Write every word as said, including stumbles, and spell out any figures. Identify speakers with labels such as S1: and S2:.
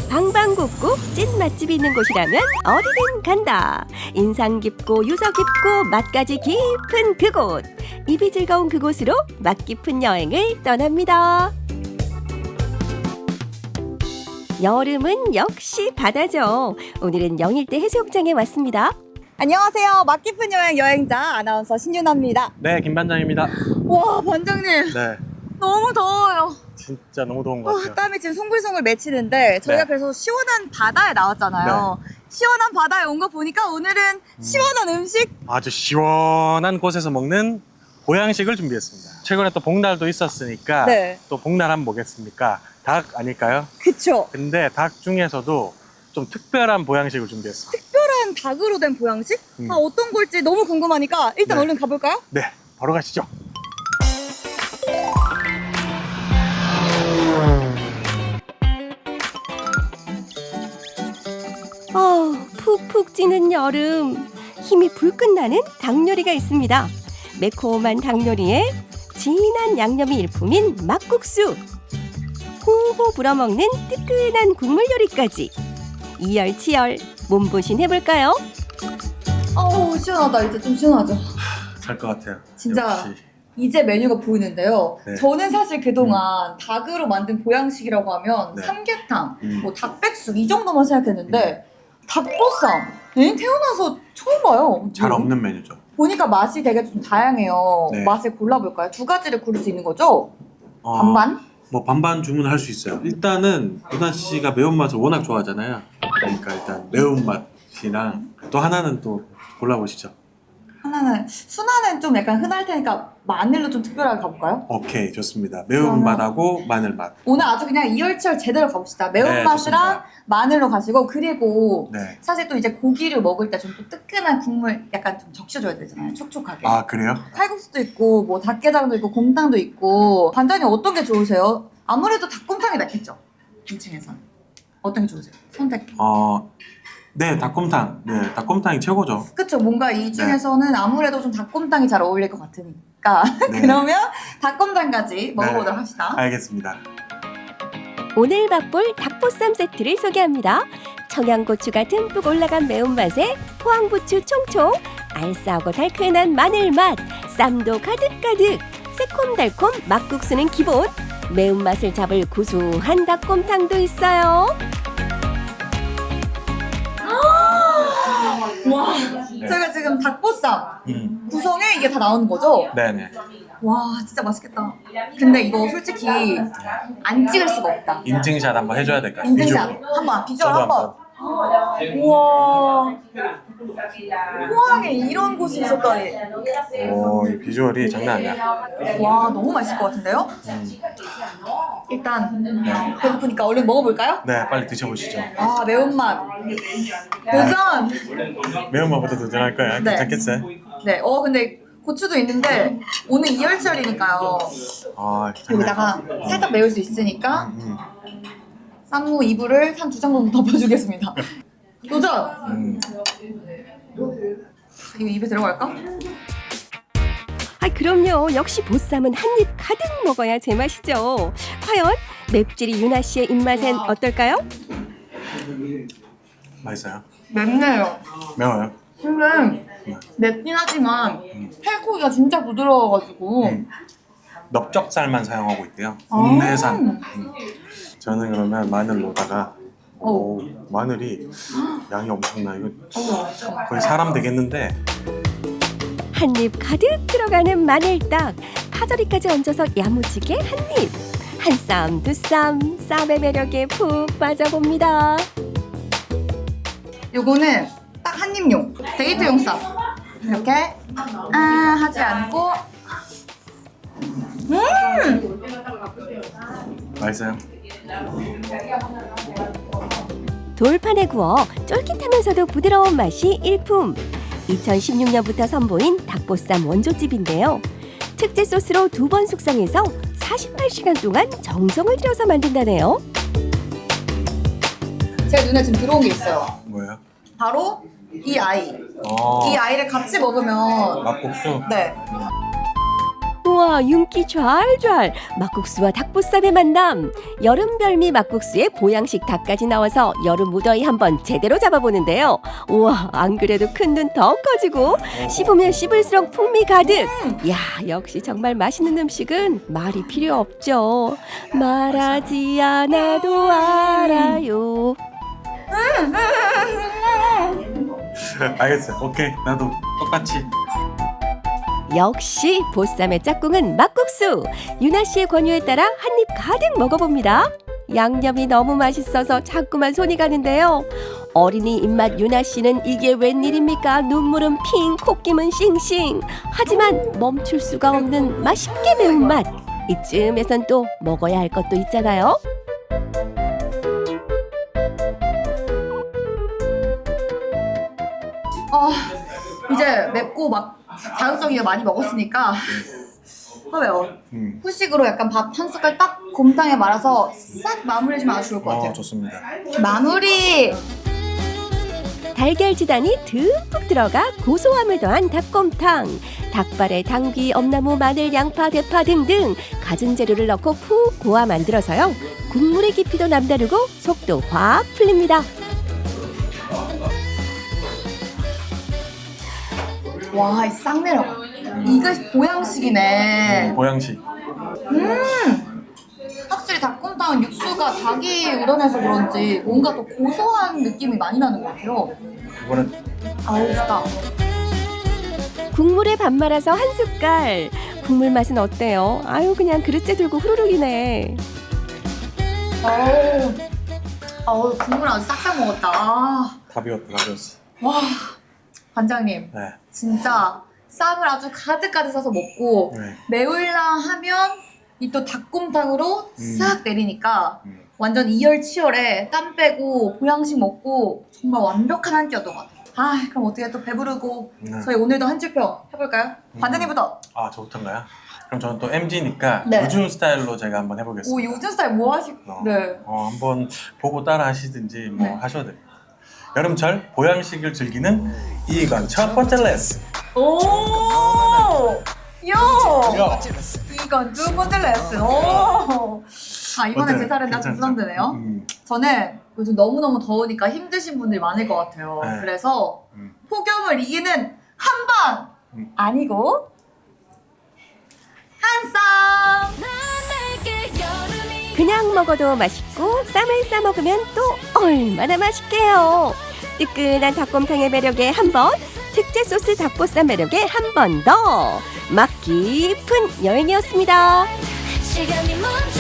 S1: 방방곡곡 찐 맛집이 있는 곳이라면 어디든 간다. 인상 깊고 유서 깊고 맛까지 깊은 그곳. 입이 즐거운 그곳으로 맛 깊은 여행을 떠납니다. 여름은 역시 바다죠. 오늘은 영일대 해수욕장에 왔습니다.
S2: 안녕하세요. 맛 깊은 여행 여행자 아나운서 신윤아입니다.
S3: 네, 김반장입니다.
S2: 와, 반장님.
S3: 네,
S2: 너무 더워요.
S3: 진짜 너무 더운 것
S2: 와,
S3: 같아요.
S2: 땀이 지금 송글송글 맺히는데 저희가
S3: 네.
S2: 그래서 시원한 바다에 나왔잖아요. 시원한 바다에 온 거 보니까 오늘은 시원한 음식?
S3: 아주 시원한 곳에서 먹는 보양식을 준비했습니다. 최근에 또 복날도 있었으니까
S2: 네.
S3: 또 복날 하면 뭐겠습니까? 닭 아닐까요?
S2: 그쵸.
S3: 근데 닭 중에서도 좀 특별한 보양식을 준비했습니다.
S2: 특별한 닭으로 된 보양식?
S3: 음.
S2: 아, 어떤 걸지 너무 궁금하니까 일단
S3: 네.
S2: 얼른 가볼까요?
S3: 네, 바로 가시죠.
S1: 아, 푹푹 찌는 여름. 힘이 불끈 나는 닭 요리가 있습니다. 매콤한 닭 요리에 진한 양념이 일품인 막국수. 호호 불어먹는 뜨끈한 국물 요리까지. 이열치열 몸보신 해볼까요?
S2: 어우, 시원하다. 이제 좀 시원하죠.
S3: 살 것 같아요.
S2: 진짜.
S3: 역시.
S2: 이제 메뉴가 보이는데요.
S3: 네.
S2: 저는 사실 그동안 닭으로 만든 보양식이라고 하면
S3: 네.
S2: 삼계탕,
S3: 음.
S2: 뭐 닭백숙 이 정도만 생각했는데 닭보쌈 에? 태어나서 처음 봐요.
S3: 잘 없는 메뉴죠.
S2: 보니까 맛이 되게 좀 다양해요.
S3: 네.
S2: 맛을 골라볼까요? 두 가지를 고를 수 있는 거죠?
S4: 어,
S2: 반반?
S4: 뭐 반반 주문할 수 있어요. 일단은 유나 씨가 매운맛을 워낙 좋아하잖아요. 그러니까 일단 매운맛이랑 또 하나는 또 골라보시죠.
S2: 하나는 순화는 좀 약간 흔할 테니까 마늘로 좀 특별하게 가볼까요?
S4: 오케이, 좋습니다. 매운맛하고 마늘맛.
S2: 오늘 아주 그냥 이열치열 제대로 가봅시다. 매운맛이랑
S4: 좋습니다.
S2: 마늘로 가시고 그리고
S4: 네.
S2: 사실 또 이제 고기를 먹을 때 좀 또 뜨끈한 국물 약간 좀 적셔줘야 되잖아요. 촉촉하게.
S4: 아, 그래요?
S2: 칼국수도 있고 뭐 닭게장도 있고 곰탕도 있고 반장님 어떤 게 좋으세요? 아무래도 닭곰탕이 낫겠죠? 이 층에서는 어떤 게 좋으세요? 선택.
S4: 어, 네, 닭곰탕. 네, 닭곰탕이 최고죠.
S2: 그쵸, 뭔가 이 중에서는 아무래도 좀 닭곰탕이 잘 어울릴 것 같으니까
S4: 네.
S2: 그러면 닭곰탕까지 먹어보도록
S4: 네.
S2: 합시다.
S4: 알겠습니다.
S1: 오늘 맛볼 닭보쌈 세트를 소개합니다. 청양고추가 듬뿍 올라간 매운맛에 포항부추 총총, 알싸하고 달큰한 마늘맛, 쌈도 가득가득, 새콤달콤 막국수는 기본, 매운맛을 잡을 구수한 닭곰탕도 있어요.
S2: 와,
S4: 네.
S2: 저희가 지금 닭보쌈
S4: 음,
S2: 구성에 이게 다 나오는 거죠?
S4: 네네.
S2: 와, 진짜 맛있겠다. 근데 이거 솔직히 안 찍을 수가 없다.
S4: 인증샷 한번 해줘야 될까요?
S2: 인증샷
S4: 비주얼.
S2: 한번 비주얼
S4: 저도
S2: 한번. 우와, 포항에 이런 곳이 있었다니.
S4: 오, 이 비주얼이 장난 아니야.
S2: 와, 너무 맛있을 것 같은데요?
S4: 음,
S2: 일단 배고프니까 얼른 먹어볼까요?
S4: 네, 빨리 드셔보시죠.
S2: 아, 매운맛 도전!
S4: 매운맛부터 도전할 거야.
S2: 네.
S4: 괜찮겠어요?
S2: 네, 어 근데 고추도 있는데 오늘 이열치열이니까요.
S4: 아,
S2: 여기다가 살짝 매울 수 있으니까
S4: 음,
S2: 쌈무 이불을 한 두 장 정도 덮어주겠습니다. 도전!
S4: 음.
S2: 이거 입에 들어갈까?
S1: 아, 그럼요. 역시 보쌈은 한 입 가득 먹어야 제맛이죠. 과연 맵찔이 유나 씨의 입맛엔 어떨까요?
S4: 맛있어요?
S2: 맵네요.
S4: 매워요?
S2: 근데 맵긴 하지만 살코기가 진짜 부드러워가지고
S4: 음. 넓적살만 사용하고 있대요.
S2: 아.
S4: 국내산. 음. 저는 그러면 마늘로다가
S2: 어.
S4: 오, 마늘이 양이 엄청나. 이거 거의 사람 되겠는데.
S1: 한 입 가득 들어가는 마늘떡, 파절이까지 얹어서 야무지게 한 입. 한 쌈, 두 쌈, 쌈의 매력에 푹 빠져봅니다.
S2: 요거는 딱 한 입용 데이트용 쌈 이렇게 아 하지 않고 음
S4: 맛있어요?
S1: 돌판에 구워 쫄깃하면서도 부드러운 맛이 일품. 이천십육 년부터 선보인 닭보쌈 원조집인데요. 특제 소스로 두 번 숙성해서 사십팔 시간 동안 정성을 들여서 만든다네요.
S2: 제 눈에 지금 들어온 게 있어요.
S4: 뭐예요?
S2: 바로 이 아이
S4: 어,
S2: 이 아이를 같이 먹으면
S4: 막국수?
S2: 네
S1: 우와, 우와, 윤기 좔좔. 막국수와 닭보쌈의 만남. 여름 별미 막국수에 보양식 닭까지 나와서 여름 무더위 한번 제대로 잡아보는데요. 우와, 안 그래도 큰 눈 더 커지고 씹으면 씹을수록 풍미 가득. 야, 역시 정말 맛있는 음식은 말이 필요 없죠. 말하지 않아도 알아요.
S4: 알겠어요. 오케이. 나도 똑같이.
S1: 역시 보쌈의 짝꿍은 막국수. 유나 씨의 권유에 따라 한 입 가득 먹어봅니다. 양념이 너무 맛있어서 자꾸만 손이 가는데요. 어린이 입맛 유나 씨는 이게 웬일입니까? 눈물은 핑, 콧김은 싱싱. 하지만 멈출 수가 없는 맛있게 매운맛. 이쯤에선 또 먹어야 할 것도 있잖아요.
S2: 아, 이제 맵고 막 자극적이게 많이 먹었으니까 하고요.
S4: 음.
S2: 후식으로 약간 밥 한 숟갈 딱 곰탕에 말아서 싹 마무리해주면 아주 좋을 것 같아요.
S4: 어, 좋습니다.
S2: 마무리!
S1: 달걀 지단이 듬뿍 들어가 고소함을 더한 닭곰탕. 닭발에 당귀, 엄나무, 마늘, 양파, 대파 등등 갖은 재료를 넣고 푹 고아 만들어서요. 국물의 깊이도 남다르고 속도 확 풀립니다.
S2: 와, 이 싹 내려가. 이거 보양식이네.
S4: 보양식.
S2: 확실히 닭곰탕은 육수가 닭이 우러내서 그런지 뭔가 더 고소한 느낌이 많이 나는 것 같아요.
S4: 이거는
S2: 아우, 좋다.
S1: 국물에 밥 말아서 한 숟갈. 국물 맛은 어때요? 아유, 그냥 그릇째 들고 후루룩이네.
S2: 어우, 어우, 국물 아주 싹싹 먹었다. 아,
S4: 다 비웠다. 다 비웠어.
S2: 와, 관장님.
S4: 네.
S2: 진짜 쌈을 아주 가득가득 싸서 먹고
S4: 네.
S2: 매울라 하면 이 또 닭곰탕으로
S4: 음.
S2: 싹 내리니까
S4: 음.
S2: 완전 이열치열에 땀 빼고 보양식 먹고 정말 완벽한 한 끼였던 것 같아요. 아, 그럼 어떻게 또 배부르고
S4: 네.
S2: 저희 오늘도 한줄평 해볼까요?
S4: 음.
S2: 관장님부터.
S4: 아, 저부터인가요? 그럼 저는 또 엠지니까
S2: 네.
S4: 요즘 스타일로 제가 한번
S2: 오,
S4: 해보겠습니다.
S2: 요즘 스타일 뭐 하시...
S4: 어.
S2: 네.
S4: 어, 한번 보고 따라 하시든지 뭐
S2: 네.
S4: 하셔도 됩니다. 여름철 보양식을 즐기는 이건 첫 번째 레슨.
S2: 오! 요!
S4: 야.
S2: 이건 두 번째 레슨. 오! 아, 이번에
S4: 어때요?
S2: 제 차례인데 좀
S4: 괜찮죠?
S2: 부담되네요.
S4: 음.
S2: 저는 요즘 너무너무 더우니까 힘드신 분들이 많을 것 같아요.
S4: 네.
S2: 그래서
S4: 음.
S2: 폭염을 이기는 한방!
S4: 음.
S2: 아니고 한쌈!
S1: 그냥 먹어도 맛있고 쌈을 싸 먹으면 또 얼마나 맛있게요. 뜨끈한 닭곰탕의 매력에 한 번, 특제 소스 닭보쌈 매력에 한 번 더. 맛 깊은 여행이었습니다.
S5: 시간이 멈춰